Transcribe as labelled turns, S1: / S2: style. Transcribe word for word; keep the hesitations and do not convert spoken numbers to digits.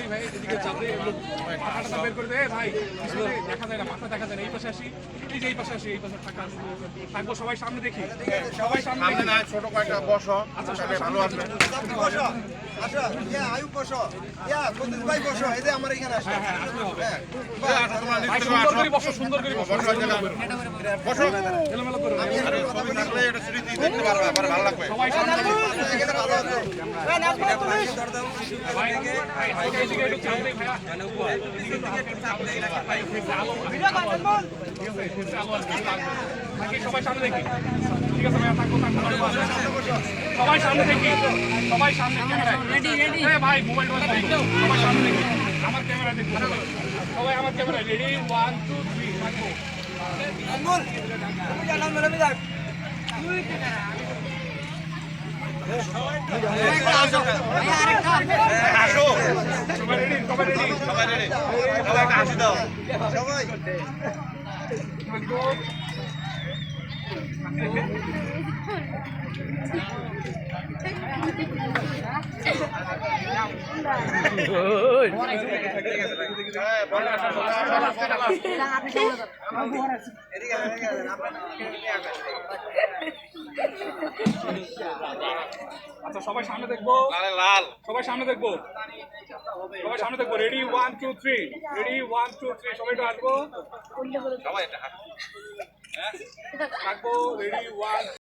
S1: ভাই এদিকে চাঁদে মাথাটা বের করে দে ভাই পিছনে দেখা যায় না মাথা দেখা যায় না এই পাশে আসি এই যে এই পাশে আসি এই পাশে থাকা থাকবো সবাই সামনে দেখি সবাই সামনে দেখি
S2: না ছোট কয়েকটা বসো
S1: আচ্ছা সবাই
S2: ভালো আসবে
S3: বসো আচ্ছা ইয়া আয়ু বসো ইয়া কদ্দুস ভাই বসো এই যে আমার এখানে আসো
S1: হ্যাঁ হ্যাঁ আসলে হবে
S3: হ্যাঁ
S2: তোমরা
S1: ভাই
S2: নিচে
S1: সুন্দর করে বসো সুন্দর করে বসো
S2: বসো জায়গা বসো
S1: এলোমেলো করে
S3: আমি একটা কথা
S2: ছবি
S3: বলি
S2: থাকলে এটা স্মৃতি দেখতে পারবে পরে ভালো লাগবে
S1: সবাই সামনে দেখি
S3: এখানে ভালো আছে
S1: ভাই ভাই হালকা এদিকে একটু চাপ দেই ভাইয়া এদিকে চাপ দেই নাকি ভাই আলো ভিডিও করছেন বল ঠিক আছে আলো আসবে বাকি সবাই সামনে দেখি ঠিক আছে ভাইয়া থাকো থাকো সবাই সামনে দেখি সবাই সামনে ক্যামেরায় রেডি রেডি এই ভাই মোবাইল বন্ধ সবাই সামনে দেখি আমার ক্যামেরা দেখো সবাই আমার camera ready one two three থাকো
S3: আনমোল তুমি জানাও মেলে যাক
S2: আসো
S1: সবাই রেডি সবাই রেডি
S2: সবাই রেডি সবাই একটা হাসি দাও
S3: সবাই
S1: আচ্ছা সবাই সামনে দেখবো
S2: লাল লাল
S1: সবাই সামনে দেখবো সবাই সামনে দেখবো ready one two three ready one two three সবাই একটু আসবো
S2: সবাই একটা হাসি
S1: থাকবো রেডি ওয়ান